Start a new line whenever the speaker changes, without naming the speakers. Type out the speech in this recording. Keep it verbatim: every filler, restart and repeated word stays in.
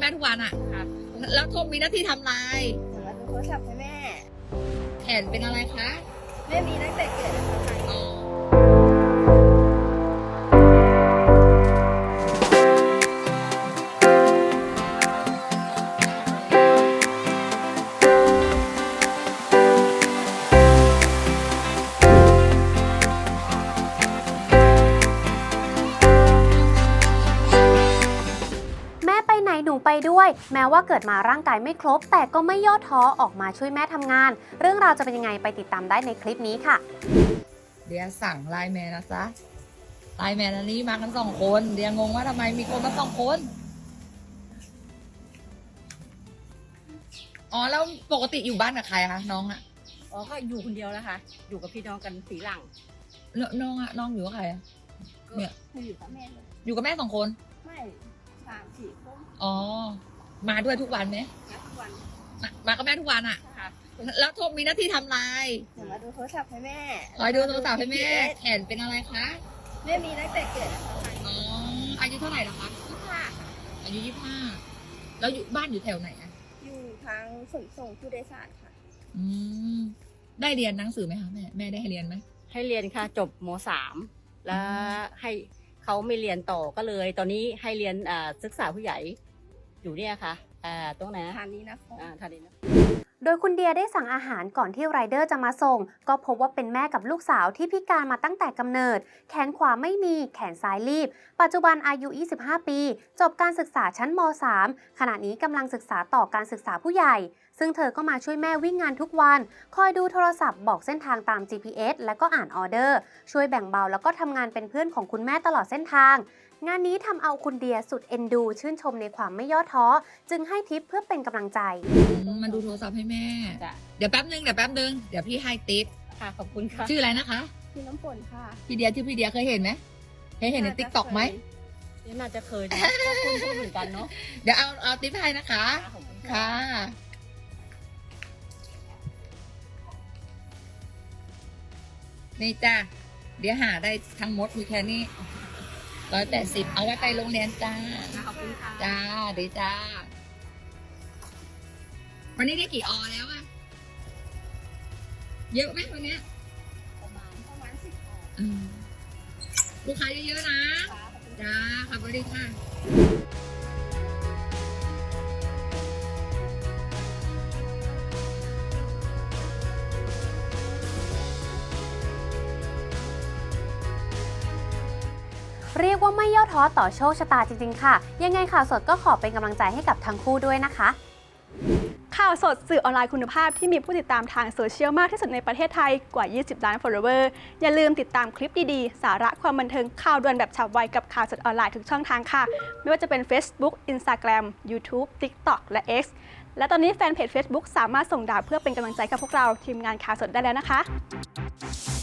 แม่ทุกวันอ่ะครับแล้วโทรมีหน้าที่ทำอะไร
สำหรับดูโทรศัพท์ให้แม่
แขนเป็นอะไรคะ
แม่มีตั้งแต่เกิดนะคะ
อ๋อ
หนูไปด้วยแม้ว่าเกิดมาร่างกายไม่ครบแต่ก็ไม่ย่อท้อออกมาช่วยแม่ทำงานเรื่องราวจะเป็นยังไงไปติดตามได้ในคลิปนี้ค่ะ
เดียสั่งไลน์แมนนะจ๊ะไลน์แมนอันนี้มากันสองคนเดียงงว่าทำไมมีคนมาสองคนอ๋อแล้วปกติอยู่บ้านกับใครคะน้องอะ
อ๋อก็อยู่คนเดียวนะคะอยู่กับพี่น้องกันสีหลัง
น้องอะน้องอยู่กับใครอะเนี่ย
อยู่กับแม่เลย
อยู่กับแม่สองคน
ไม่สามสี่คน
อ๋อมาด้วยทุกวันไหม
ทุกวัน
มากับแม่ทุกวันอะ
ค่ะ
แล้วโทรมีหน้าที่ทำอะไร
เดี๋ยวมาดูโทรศัพท์ให้แม่
คอยดูโทรศัพท์ให้แม่แขนเป็นอะไรคะ
แม่มีตั้งแต่เกิดนะคะ
อ๋ออายุเท่าไหร่แล้วคะ
ยี่สิบห้า
อายุยี่สิบห้าแล้วอยู่บ้านอยู่แถวไหนอะ
อยู่ทางขนส่งผู้โดยสารค่ะ
อืมได้เรียนหนังสือไหมคะแม่แม่ได้ให้เรียนไหม
ให้เรียนค่ะจบม.สามแล้วให้เขาไม่เรียนต่อก็เลยตอนนี้ให้เรียนศึกษาผู้ใหญ่อยู่เนี่ยค่ะตรงไหนทานนี้นะทานนี้นะ
โดยคุณเดียได้สั่งอาหารก่อนที่ไรเดอร์จะมาส่งก็พบว่าเป็นแม่กับลูกสาวที่พิการมาตั้งแต่กำเนิดแขนขวาไม่มีแขนซ้ายรีบปัจจุบันอายุยี่สิบห้าปีจบการศึกษาชั้นม.สาม ขณะนี้กำลังศึกษาต่อการศึกษาผู้ใหญ่ซึ่งเธอก็มาช่วยแม่วิ่งงานทุกวันคอยดูโทรศัพท์บอกเส้นทางตาม จี พี เอส และก็อ่านออเดอร์ช่วยแบ่งเบาแล้วก็ทำงานเป็นเพื่อนของคุณแม่ตลอดเส้นทางงานนี้ทำเอาคุณเดียสุดเอ็นดูชื่นชมในความไม่ย่อท้อจึงให้ทิปเพื่อเป็นกำลังใจ
มาดูโทรศัพท์ให้แม่เดี๋ยวแป๊บนึงเดี๋ยวแป๊บนึงเดี๋ยวพี่ให้ทิป
ค่ะขอบคุณค่ะ
ชื่ออะไรนะคะ
พี่น้ำฝนค่ะ
พี่เดียชื่อพี่เดียเคยเห็นไหมเคยเห็นในติ๊กต็อกไหม
น่าจะเคยนะคุณเหมือนกันเนาะ
เดี๋ยวเอาเอาทิปให้นะคะค่ะนี่จ้าเดี๋ยวหาได้ทั้งหมดมีแค่นี้ร้อยแปดสิบเอาไว้ไปโรงเรียนจ้า
ขอบคุณค่ะ
จ้าดีจ้าวันนี้ได้กี่ออแล้วอะเยอะไหมวันนี้
ประมาณประมาณสิบอ
อลูกค้าเยอะๆนะจ้าขอบคุณค่ะ
เรียกว่าไม่ย่อท้อต่อโชคชะตาจริงๆค่ะยังไงข่าวสดก็ขอเป็นกำลังใจให้กับทั้งคู่ด้วยนะคะ
ข่าวสดสื่อออนไลน์คุณภาพที่มีผู้ติดตามทางโซเชียลมากที่สุดในประเทศไทยกว่ายี่สิบล้าน followers อย่าลืมติดตามคลิปดีๆสาระความบันเทิงข่าวด่วนแบบฉับไวกับข่าวสดออนไลน์ทุกช่องทางค่ะไม่ว่าจะเป็น Facebook Instagram YouTube TikTok และ X และตอนนี้แฟนเพจ Facebook สามารถส่งดาวเพื่อเป็นกำลังใจกับพวกเราทีมงานข่าวสดได้แล้วนะคะ